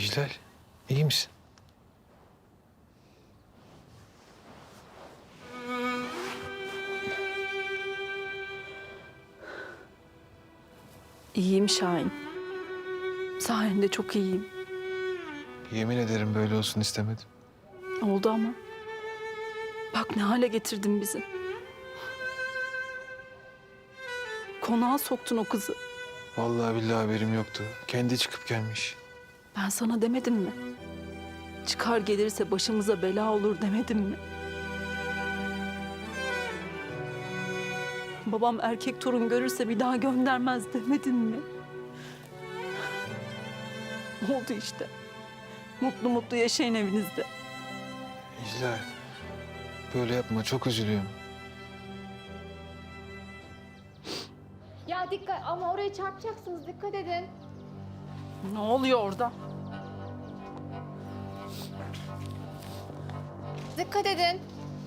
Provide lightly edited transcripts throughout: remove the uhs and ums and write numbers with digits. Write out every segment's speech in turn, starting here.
İclal, iyi misin? İyiyim Şahin. Sayende çok iyiyim. Yemin ederim böyle olsun istemedim. Oldu ama. Bak ne hale getirdin bizi. Konağa soktun o kızı. Vallahi billahi haberim yoktu. Kendi çıkıp gelmiş. Ben sana demedim mi? Çıkar gelirse başımıza bela olur demedim mi? Babam erkek torun görürse bir daha göndermez demedin mi? Oldu işte. Mutlu mutlu yaşayın evinizde. İclal, böyle yapma, çok üzülüyorum. Ya dikkat ama oraya çarpacaksınız, dikkat edin. Ne oluyor orada? Dikkat edin.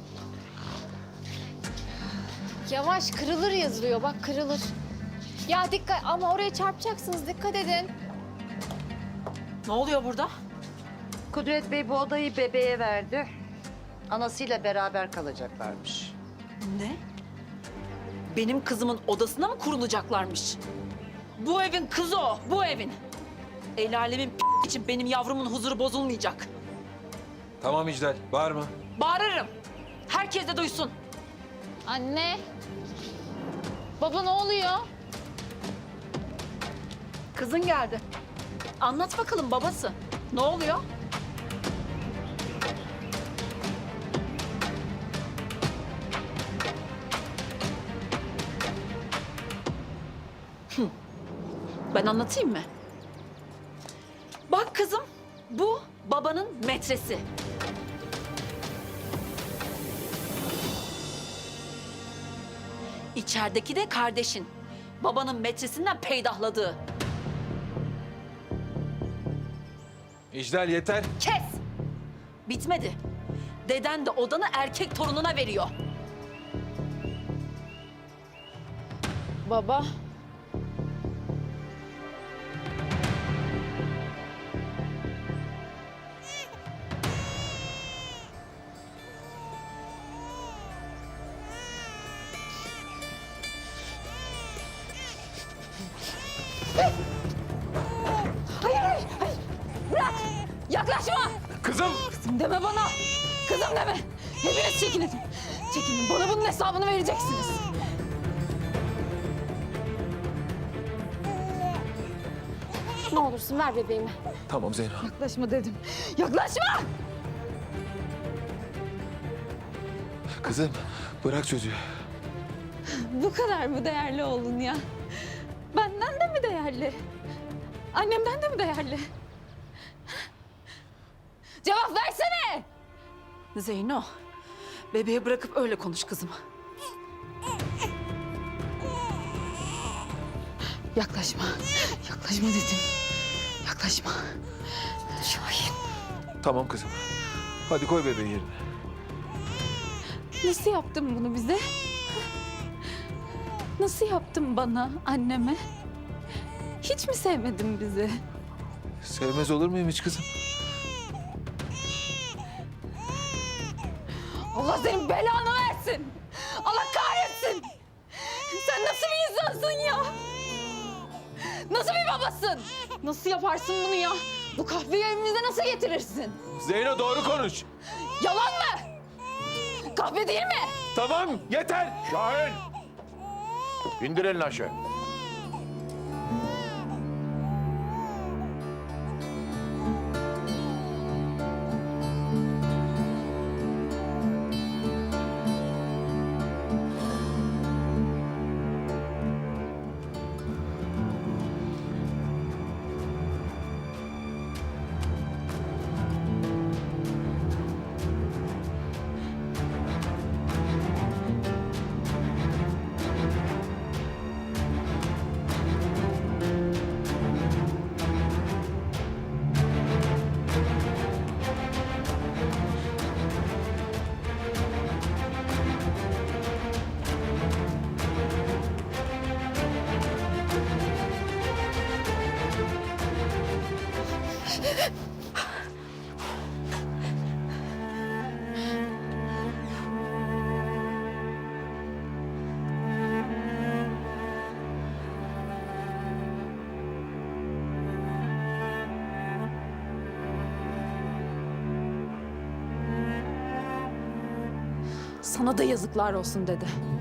Yavaş, kırılır yazılıyor, bak kırılır. Ya dikkat ama oraya çarpacaksınız, dikkat edin. Ne oluyor burada? Kudret Bey bu odayı bebeğe verdi. Anasıyla beraber kalacaklarmış. Ne? Benim kızımın odasına mı kurulacaklarmış? Bu evin kızı o, bu evin. El alemin için benim yavrumun huzuru bozulmayacak. Tamam İclal, bağırma. Bağırırım. Herkes de duysun. Anne. Baba ne oluyor? Kızın geldi. Anlat bakalım babası. Ne oluyor? Ben anlatayım mı? Bak kızım, bu babanın metresi. İçerideki de kardeşin. Babanın metresinden peydahladığı. İclal yeter. Kes! Bitmedi. Deden de odanı erkek torununa veriyor. Baba. Hayır! Bırak! Yaklaşma! Kızım! Kızım deme bana! Kızım deme! Hepiniz çekinin! Çekinin, bana bunun hesabını vereceksiniz. Ne olursun ver bebeğimi. Tamam Zeyno. Yaklaşma dedim. Yaklaşma! Kızım, bırak çocuğu. Bu kadar mı değerli oğlun ya? Benden de mi değerli? Annemden de mi değerli? Cevap versene! Zeyno, bebeği bırakıp öyle konuş kızım. Yaklaşma. Yaklaşma dedim. Yaklaşma. Şahin. Tamam kızım. Hadi koy bebeği yerine. Nasıl yaptın bunu bize? Nasıl yaptın bana, anneme? Hiç mi sevmedin bizi? Sevmez olur muyum hiç kızım? Allah senin belanı versin. Allah kahretsin. Sen nasıl bir insansın ya? Nasıl bir babasın? Nasıl yaparsın bunu ya? Bu kahveyi evimize nasıl getirirsin? Zeyno doğru konuş. Yalan mı? Kahve değil mi? Tamam, yeter. Şahin! İndir elini aşağı. Sana da yazıklar olsun dede.